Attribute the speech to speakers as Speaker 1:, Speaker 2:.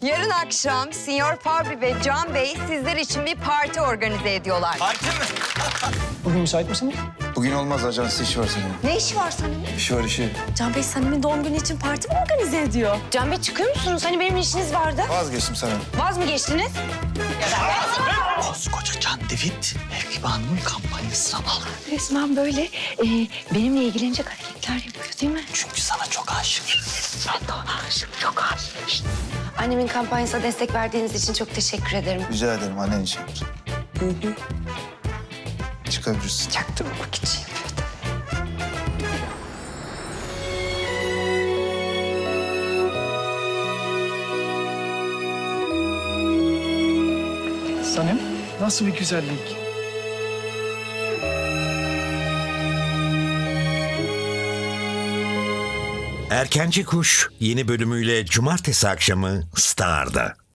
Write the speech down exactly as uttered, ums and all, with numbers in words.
Speaker 1: Yarın akşam Sinyor Fabri ve Can Bey sizler için bir parti organize ediyorlar.
Speaker 2: Parti mi?
Speaker 3: Bugün müsait misiniz?
Speaker 4: Bugün olmaz, ajans işi var senin.
Speaker 1: Ne işi var senin?
Speaker 4: İşi var işi.
Speaker 5: Can Bey Sanem'in doğum günü için parti mi organize ediyor?
Speaker 1: Can Bey çıkıyor musunuz? Hani benim işiniz vardı.
Speaker 4: Vazgeçtim sana.
Speaker 1: Vaz mı geçtiniz?
Speaker 2: Koskoca Can David, Mevkibe Hanım'ın kampanyasına aldı.
Speaker 5: Resmen böyle e, benimle ilgilenecek hareketler yapıyor değil mi?
Speaker 2: Çünkü sana çok aşık.
Speaker 5: Ben de ona aşığım, çok aşığım. Annemin kampanyasına destek verdiğiniz için çok teşekkür ederim.
Speaker 4: Rica ederim annen için. Çıkabilirsin.
Speaker 5: Çaktırmamak için yapıyordum.
Speaker 3: Sanem, nasıl bir güzellik?
Speaker 6: Erkenci Kuş yeni bölümüyle cumartesi akşamı Star'da.